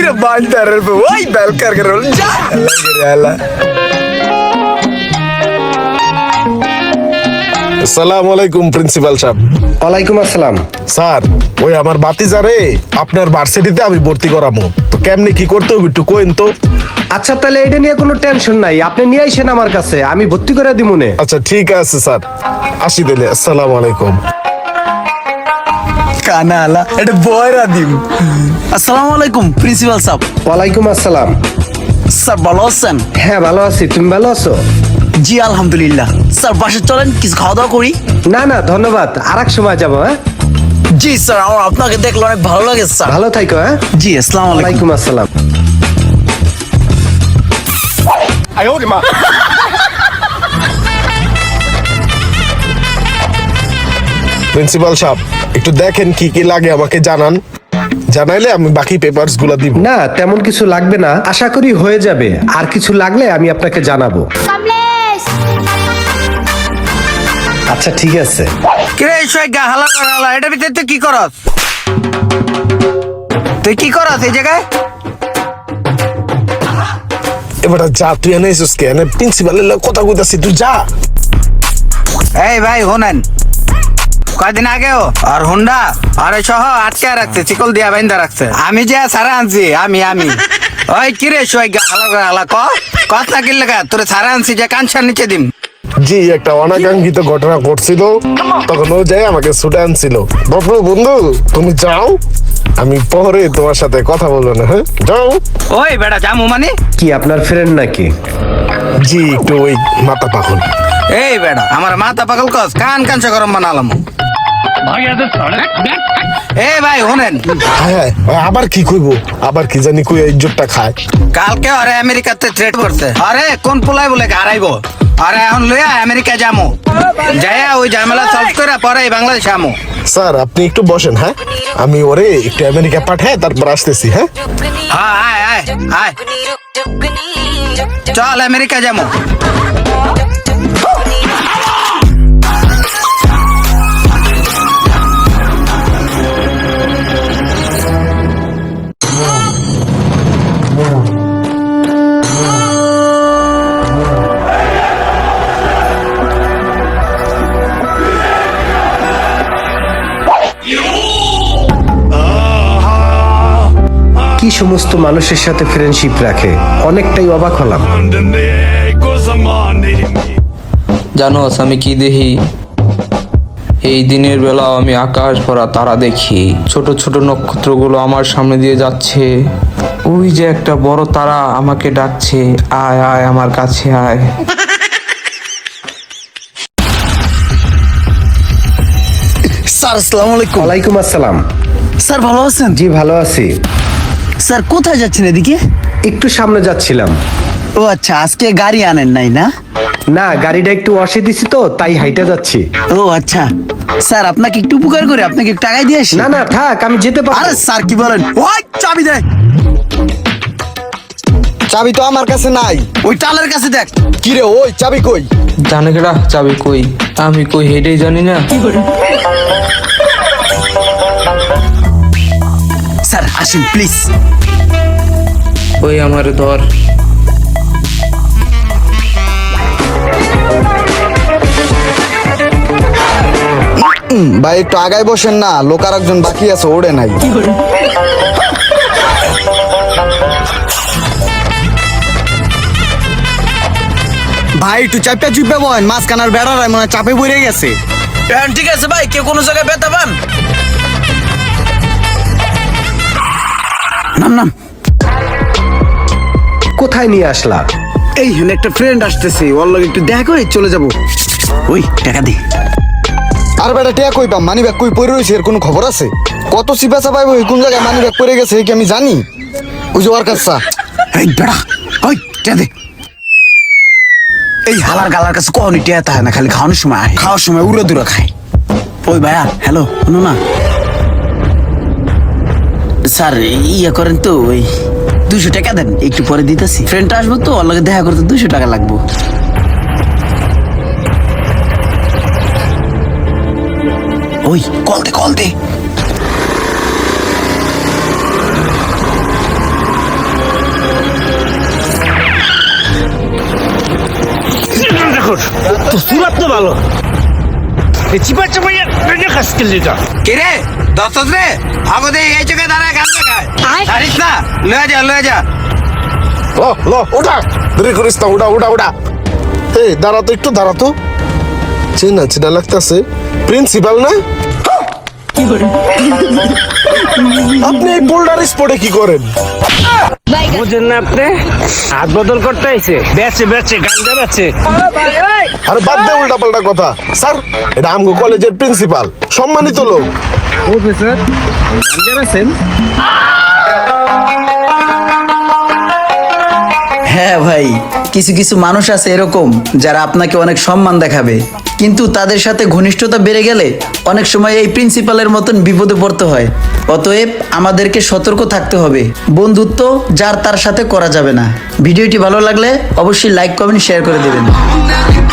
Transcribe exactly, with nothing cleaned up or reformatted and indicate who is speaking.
Speaker 1: Bantar पे वही बैल कर कर रोल जा अल्लाह
Speaker 2: আসসালামু আলাইকুম প্রিন্সিপাল সাহেব।
Speaker 3: ওয়ালাইকুম আসসালাম।
Speaker 2: স্যার ওই আমার ভাতিজারে আপনার ভার্সিটিতে আমি ভর্তি করাবো, তো কেমনে কি করতে হবে একটু কইন তো।
Speaker 3: আচ্ছা তাহলে এটা নিয়ে কোনো টেনশন নাই, আপনি নিয়ে আইসেন আমার কাছে, আমি ভর্তি করে দিব মনে।
Speaker 2: আচ্ছা ঠিক আছে স্যার, আসি দিলে। আসসালামু আলাইকুম।
Speaker 1: কানা আলা এটা বয়রা দিম।
Speaker 4: আসসালামু আলাইকুম প্রিন্সিপাল সাহেব।
Speaker 3: ওয়ালাইকুম আসসালাম।
Speaker 4: স্যার ভালো আছেন?
Speaker 3: হ্যাঁ ভালো আছি, তুমি ভালো আছো?
Speaker 4: জি আলহামদুলিল্লাহ। স্যার বাসে চলেন কিছু খাওয়া দাওয়া করি।
Speaker 3: না না ধন্যবাদ, আর এক সময় যাবো। হ্যাঁ
Speaker 4: জি স্যার, আমার আপনাকে দেখলে অনেক ভালো লাগে স্যার।
Speaker 3: ভালো থাকো। হ্যাঁ
Speaker 4: জি আসসালামু আলাইকুম।
Speaker 3: ওয়ালাইকুম আসসালাম।
Speaker 2: প্রিন্সিপাল সাহেব একটু দেখেন কি কি লাগে আমাকে জানান, জানাইলে আমি বাকি পেপারস গুলা দিব।
Speaker 3: না তেমন কিছু লাগবে না, আশা করি হয়ে যাবে। আর কিছু লাগলে আমি আপনাকে জানাবো। আচ্ছা ঠিক আছে।
Speaker 4: কিরে শোয়গা হালা কর হালা, এটা ভিতরে তুই কি করস? তুই কি করস এই জায়গায়?
Speaker 2: এবার যা তুই এনে এসেছিস কে? এনে প্রিন্সিপালের লগে কথা কইতাছি, তুই যা।
Speaker 4: এই ভাই হোনেন, কয়দিন আগেও আর হুন্ডা আর সহ আটকে রাখছে, চিকল দিয়া বাইন্দা রাখছে। আমি যে সারা আনছি, আমি আমি ওই কিরে শোয়গা হালা কর হালা, ক কথা কি লাগা তোরে সারা আনছি যে কানসার নিচে দিম।
Speaker 2: জি একটা অনাকাঙ্ক্ষিত ঘটনা ঘটছিল, তখন ও যাই আমাকে ছুটে আনছিল। বাবু বন্ধু তুমি যাও, আমি পরে তোমার সাথে কথা বলবো না। হ্যাঁ যাও।
Speaker 4: ওই বেটা জামু মানে
Speaker 3: কি আপনার ফ্রেন্ড নাকি?
Speaker 2: জি একটু ওই মাথা পাগল।
Speaker 4: এই বেটা আমার মাথা পাগল কস, কান কানসা গরম বানালাম। এই ভাই শুনেন,
Speaker 2: হ্যাঁ হ্যাঁ আবার কি কইবো, আবার কি জানি কই ইজ্জতটা খায়।
Speaker 4: কালকে আরে আমেরিকাতে থ্রেট করছে, আরে কোন পোলাই বলে হারাইবো, আরে এখন লইয়া আমেরিকা যামু, যাইয়া ওই ঝামেলা সলভ করে পরে বাংলাদেশ আমু।
Speaker 2: স্যার আপনি একটু বসেন, হ্যাঁ আমি ওরে একটু আমেরিকা পাঠাই তারপর আসতেছি। হ্যাঁ
Speaker 4: হ্যাঁ আয় আয় আয়, চল আমেরিকা যামু।
Speaker 3: কি সমস্ত মানুষের সাথে ফ্রেন্ডশিপ রাখে, অনেকটাই অবাক হলাম।
Speaker 5: জানোস আমি কি দেখি? এই দিনের বেলাও আমি আকাশ ভরা তারা দেখি, ছোট ছোট নক্ষত্রগুলো আমার সামনে দিয়ে যাচ্ছে। ওই যে একটা বড় তারা আমাকে ডাকছে, আয় আয় আমার কাছে আয়।
Speaker 4: স্যার আসসালামু আলাইকুম।
Speaker 3: ওয়ালাইকুম আসসালাম।
Speaker 4: স্যার ভালো আছেন?
Speaker 3: জি ভালো আছি।
Speaker 4: স্যার কোথায় যাচ্ছেন এদিকে?
Speaker 3: একটু সামনে যাচ্ছিলাম।
Speaker 4: ও আচ্ছা, আজকে গাড়ি আনেন নাই না?
Speaker 3: না গাড়িটা একটু অসে দিছি তো তাই হাইটে যাচ্ছি।
Speaker 4: ও আচ্ছা স্যার, আপনাকে একটু উপকার করে আপনাকে একটু টাকাই দিয়ে আসি।
Speaker 3: না না থাক, আমি যেতে পারবো।
Speaker 4: আরে স্যার কি বলেন, ওই চাবি দে।
Speaker 1: চাবি তো আমার কাছে নাই।
Speaker 4: ওই টালের কাছে দেখ।
Speaker 1: কি রে ওই চাবি কই?
Speaker 5: জানে কেডা চাবি কই? আমি কই হেডেই জানি না।
Speaker 4: স্যার আসেন প্লিজ।
Speaker 5: ওই আমার ধর।
Speaker 1: ভাই একটু আগায় বসেন না, লোক আর একজন বাকি আছে, ওড়ে নাই। ভাই একটু চাপটা চুপে বলেন, মাঝখানার বেড়ার মনে হয় চাপে পড়ে গেছে।
Speaker 4: ঠিক আছে ভাই, কেউ কোনো জায়গায় ব্যথা পান? নাম নাম
Speaker 3: কোথায় নিয়ে আসলা?
Speaker 4: এই হেন একটা ফ্রেন্ড আসতেছে, ওর লগে একটু দেখা করে চলে যাব। ওই টাকা দি।
Speaker 1: আর বেটা টিয়া কই পাম, মানি ব্যাগ কই পড়ে রয়েছে এর কোনো খবর আছে? কত সিপাসা পাইবো, কোন জায়গায় মানি ব্যাগ পড়ে গেছে কি আমি জানি? ওই যে ওর কাছে।
Speaker 4: এই বেড়া ওই টাকা দে। এই হালার গালার কাছে কখনো টিয়া থাকে না, খালি খাওয়ানোর সময় আয়, খাওয়ার সময় উড়ে দূরে খায়। ওই ভাইয়া হ্যালো, শোনো না স্যার, ইয়ে করেন তো ওই দুশো টাকা দেন, একটু পরে দিতেছি। ফ্রেন্ডটা আসবো তো, ওর লগে দেখা করতে দুশো টাকা লাগবো। ওই কল দে কল দে।
Speaker 6: ভালো এই চিপা চাপাইয়া খাসকেল যেটা
Speaker 4: কিরে দশ রে আগতে এই চোখে দাঁড়ায় গান দেখায় জানিস না লয়ে যা লয়ে যা
Speaker 2: ল ল ওটা দেরি করিস না ওটা ওটা ওটা এই দাঁড়া তো একটু দাঁড়া তো চেনা চেনা লাগতেছে প্রিন্সিপাল না আপনি এই বোল্ডার স্পটে কি করেন
Speaker 6: বুঝেন না আপনি হাত বদল করতে আইছে বেচে বেচে গাঞ্জা বেচে
Speaker 2: আরে বাদ দে উল্টা পাল্টা কথা স্যার এটা আমগো কলেজের প্রিন্সিপাল সম্মানিত লোক
Speaker 6: প্রফেসর গাঞ্জা বেচেন
Speaker 7: হ্যাঁ ভাই, কিছু কিছু মানুষ আছে এরকম যারা আপনাকে অনেক সম্মান দেখাবে, কিন্তু তাদের সাথে ঘনিষ্ঠতা বেড়ে গেলে অনেক সময় এই প্রিন্সিপালের মতন বিপদে পড়তে হয়। অতএব আমাদেরকে সতর্ক থাকতে হবে। বন্ধুত্ব যার তার সাথে করা যাবে না। ভিডিওটি ভালো লাগলে অবশ্যই লাইক কমেন্ট শেয়ার করে দেবেন।